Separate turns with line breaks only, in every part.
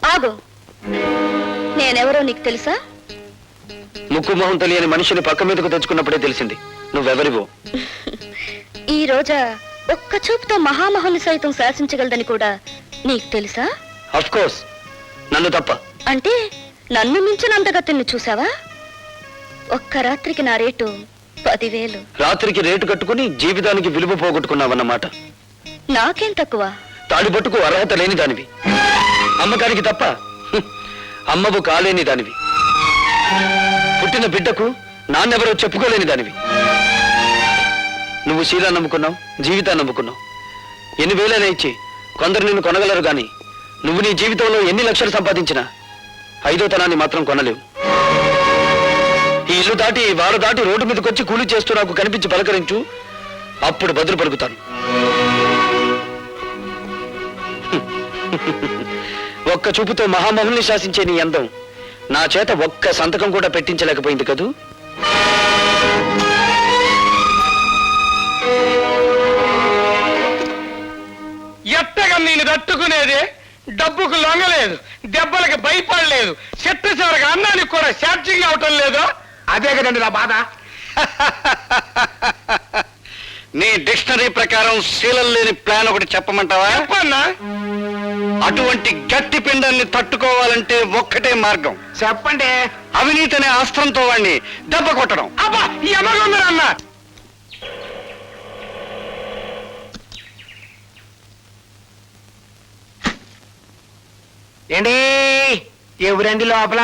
ఆగు, నేనెవరో నీకు తెలుసా?
ముక్కు మొహం తెలియని మనిషిని పక్క మీదకు తెచ్చుకున్నప్పుడే తెలిసింది నువ్వెవరివో.
ఈ రోజా ఒక్క చూపుతో మహామహుని సైతం శాసించగలదని కూడా నీకు తెలుసా?
అఫ్ కోర్స్, నన్ను తప్ప.
అంటే నన్ను మించిన అందగతిని చూసావా? ఒక్క రాత్రికి నా రేటు 10,000.
రాత్రికి రేటు కట్టుకుని జీవితానికి విలువ పోగొట్టుకున్నావన్నమాట.
నాకేం తక్కువ?
తాడిపట్టుకు అర్హత లేని దానివి, అమ్మకానికి తప్ప అమ్మవు కాలేని దానివి, పుట్టిన బిడ్డకు నాన్నెవరో చెప్పుకోలేని దానివి. నువ్వు శీలా నమ్ముకున్నావు, జీవితాన్ని నమ్ముకున్నావు. ఎన్ని వేలైనా ఇచ్చి కొందరు నిన్ను కొనగలరు గాని నువ్వు నీ జీవితంలో ఎన్ని లక్షలు సంపాదించినా 5వ తనాన్ని మాత్రం కొనలేవు. ఈ ఇల్లు దాటి వారు దాటి రోడ్డు మీదకి వచ్చి కూలి చేస్తూ నాకు కనిపించి పలకరించు, అప్పుడు బదులు పలుకుతాను. ఒక్క చూపుతో మహామహుల్ని శాసించే నీ అందం నా చేత ఒక్క సంతకం కూడా పెట్టించలేకపోయింది కదూ.
ఎట్టగా నేను తట్టుకునేది? డబ్బుకు లొంగలేదు, దెబ్బలకు భయపడలేదు, చెట్టు చివరికి అన్నానికి కూడా ఛార్జింగ్ అవటం లేదు. అదే కదండి నా బాధ.
నీ డిక్షనరీ ప్రకారం శీలం లేని ప్లాన్ ఒకటి చెప్పమంటావా?
చెప్పన్నా.
అటువంటి గట్టి పిండాన్ని తట్టుకోవాలంటే ఒక్కటే మార్గం.
చెప్పండి.
అవినీతి అనే అస్త్రంతో వాడిని దెబ్బ కొట్టడం.
అబ్బా, ఈ అమ్మగొందరన్న. ఏంటి ఎవరండి లోపల?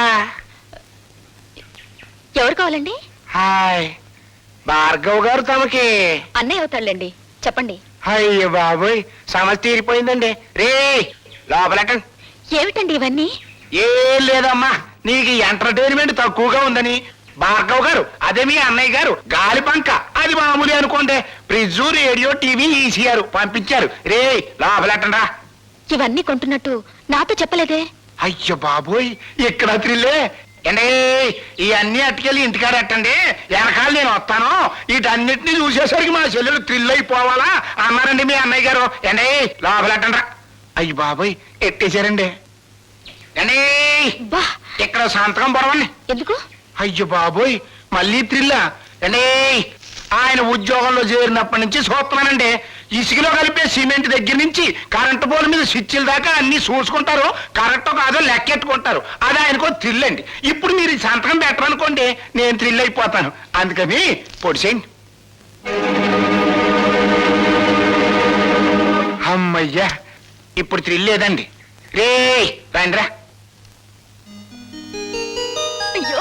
ఎవరు కావాలండి?
హాయ్, భార్గవ్ గారు తమకి.
అన్నయ్య అవుతాడులేండి, చెప్పండి.
అయ్యో బాబోయ్, సమస్య తీరిపోయిందండి. రే లోపలటండి.
ఏమిటండి ఇవన్నీ?
ఏం లేదమ్మా, నీకు ఎంటర్టైన్మెంట్ తక్కువగా ఉందని భార్గవ్ గారు, అదే మీ అన్నయ్య గారు గాలి పంక, అది మామూలు అనుకోండి, ఫ్రిడ్జ్, రేడియో, టీవీ, ఈసీఆర్ పంపించారు. రే లోపలటండా.
ఇవన్నీ కొంటున్నట్టు నాతో చెప్పలేదే?
అయ్యో బాబోయ్, ఇక్కడ త్రిల్లే. అండి ఇవన్నీ అట్టుకెళ్ళి ఇంటికాడ ఎట్టండి, వెనకాల నేను వస్తాను, వీటన్నిటిని చూసేసరికి మా చెల్లెలు థ్రిల్ అయిపోవాలా అన్నారండి మీ అన్నయ్య గారు. అండి లోపలెట్టండ్రా. అయ్యి బాబోయ్, ఎట్టేశారండి. అండి
బా,
ఇక్కడ సంతకం పొడవండి.
ఎందుకు?
అయ్యో బాబోయ్, మళ్ళీ థ్రిల్లా? అండి ఆయన ఉద్యోగంలో చేరినప్పటి నుంచి చూస్తున్నానండి, ఇసుకలో కలిపే సిమెంట్ దగ్గర నుంచి కరెంటు పోల్ మీద స్విచ్ల దాకా అన్ని చూసుకుంటారు, కరెక్టో కాదో లెక్కెట్టుకుంటారు. అది ఆయనకో థ్రిల్ అండి. ఇప్పుడు మీరు ఈ సంతకం పెట్టరనుకోండి, నేను థ్రిల్ అయిపోతాను. అందుకని పొడిసేయండి. అమ్మయ్యా, ఇప్పుడు థ్రిల్ లేదండి. రే రండిరా.
అయ్యో,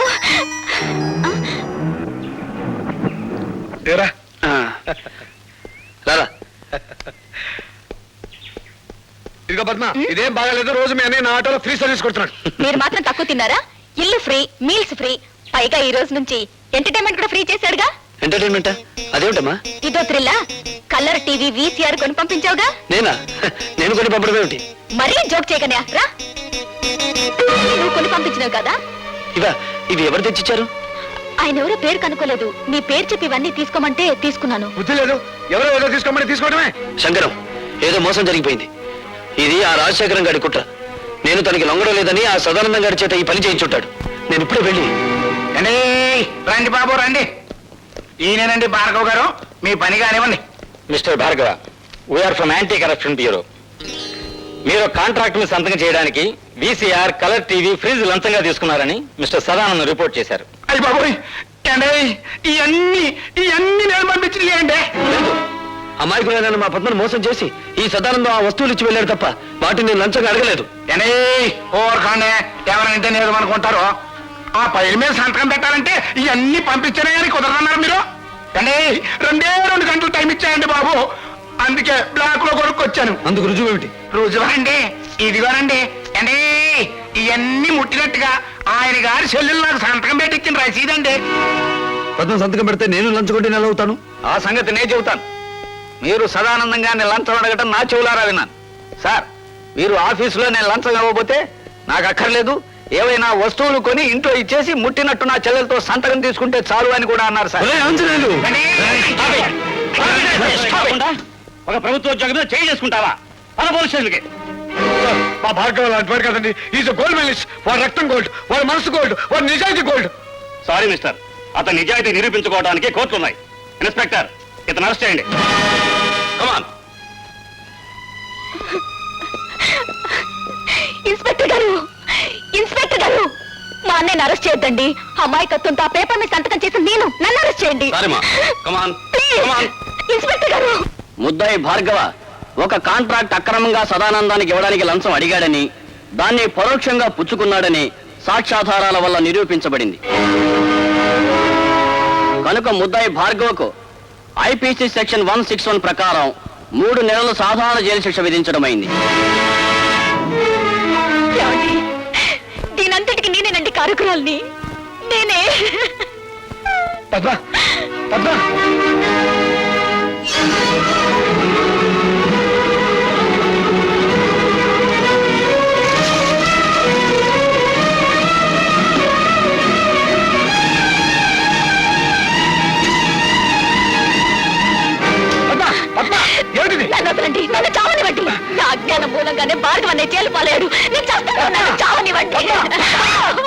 రా.
రారా.
ఇదిగో పద్మ, ఇదేం బాగాలేదు. రోజు మీ అన్నయ్య నా ఆటోలో ఫ్రీ సర్వీస్ కొడుతున్నాడు.
మీరు మాత్రం తక్కువ తిన్నారా? ఇల్లు ఫ్రీ, మీల్స్ ఫ్రీ, పైగా ఈ రోజు నుంచి ఎంటర్టైన్మెంట్ కూడా ఫ్రీ చేశాడుగా.
ఎంటర్టైన్మెంటా? అదేమిటమ్మా?
ఇదో థ్రిల్లా? కలర్ టీవీ, వీసీఆర్ కొని పంపించావుగా.
నేనా? నేను కొని పంపడం ఏమిటి?
మరీ జోక్ చేయకనే రా. నువ్వు కొని పంపించినావు కదా.
ఇవి ఎవరు తెచ్చిచ్చారు?
ఆయన ఎవరో పేరు కనుక్కోలేదు, మీ పేరు చెప్పి ఇవన్నీ తీసుకోమంటే తీసుకున్నాను.
బుద్ధి లేదు, ఎవరో ఏదో తీసుకోమని తీసుకోవడమే.
శంకరం, ఏదో మోసం జరిగిపోయింది. ఇది ఆ రాజశేఖరం గారి కుట్ర. నేను తనకి లొంగడం లేదని ఆ సదానందం గారి చేత ఈ పని చేయించుంటాడు. నేను ఇప్పుడే వెళ్ళి.
రండి బాబు రండి. ఈయనేనండి భార్గవ్ గారు, మీ పని కానివ్వండి.
Mister Bhargava, we are from anti corruption bureau. మీరు కాంట్రాక్ట్ ని సంతకం చేయడానికి వీసీఆర్, కలర్ టీవీ, ఫ్రిడ్జ్ లంచంగా తీసుకున్నారని మిస్టర్ సదానందం రిపోర్ట్ చేశారు.
అయ్యి బాబోయ్, ఇవన్నీ నేను పంపించింది.
అమాయకులైన మా పద్మను మోసం చేసి ఈ సదానందం ఆ వస్తువులు ఇచ్చి వెళ్ళాడు తప్ప వాటిని నేను లంచంగా అడగలేదు.
ఓర్కాండే, ఎవరంటే నేను అనుకుంటారు. ఆ పైల మీద సంతకం పెట్టాలంటే ఇవన్నీ పంపించానే కానీ కుదరన్నారు మీరు. రెండే 2 గంటలు టైం ఇచ్చాయండి బాబు, అందుకే బ్లాక్ లో కొనుక్కొచ్చాను.
అందుకు రుజువు ఏమిటి?
రుజువా అండి, ఇదిగోనండి. అండి ఇవన్నీ ముట్టినట్టుగా ఆయన గారి చెల్లెలు నాకు సంతకం పెట్టించిన రసీదండి.
పద్మ సంతకం పెడితే నేను లంచగొట్టి నెల అవుతాను.
ఆ సంగతి నేను చెబుతాను. మీరు సదానందంగానే లంచం అడగటం నా చెవులారా విన్నాను. సార్, మీరు ఆఫీసులో నేను లంచం ఇవ్వబోతే నాకు అక్కర్లేదు, ఏవైనా వస్తువులు కొని ఇంట్లో ఇచ్చేసి ముట్టినట్టు నా చెల్లెలతో సంతకం తీసుకుంటే చాలు అని కూడా అన్నారు సార్.
ఒక ప్రభుత్వ ఉద్యోగం మీద చేయి చేసుకుంటావా? పోలీస్ స్టేషన్కి
మా భార్గవ లాంటి వాడు కదండి. Is gold medalist. వాడు రక్తం గోల్డ్, వాడు మనసు గోల్డ్, వాడు నిజాయితీ గోల్డ్.
సారీ మిస్టర్, అతని నిజాయితీ నిరూపించుకోవడానికి కోర్టులు ఉన్నాయి. ఇన్స్పెక్టర్, ఇతను అరెస్ట్ చేయండి. కమాన్.
ఇన్స్పెక్టర్ గారు, ఇన్స్పెక్టర్ గారు, మా అన్నయ్యని అరెస్ట్ చేయొద్దండి. అమాయకత్వంతో ఆ పేపర్ మీద సంతకం చేసి నన్ను అరెస్ట్ చేయండి.
సారీమా, కమాన్.
ప్లీజ్.
కమాన్.
ఇన్స్పెక్టర్ గారు,
ముద్దాయి భార్గవ ఒక కాంట్రాక్ట్ అక్రమంగా సదానందానికి ఇవ్వడానికి లంచం అడిగాడని, దాన్ని పరోక్షంగా పుచ్చుకున్నాడని సాక్ష్యాధారాల వల్ల నిరూపించబడింది. కనుక ముద్దాయి భార్గవకు ఐపీసీ సెక్షన్ 161 ప్రకారం 3 నెలల సాధారణ జైలు శిక్ష విధించడమైంది.
ఏమండి? దీనంతటికి నేనేనండి కారకురాల్ని. నేనే.
పద్మ, పద్మ.
నన్ను వదలండి, నన్ను చావనివ్వండి. నా అజ్ఞానం మూలంగానే భార్గవ అనే జైలు పాలేడు. నేను చేస్తాను, నన్ను చావనివ్వండి.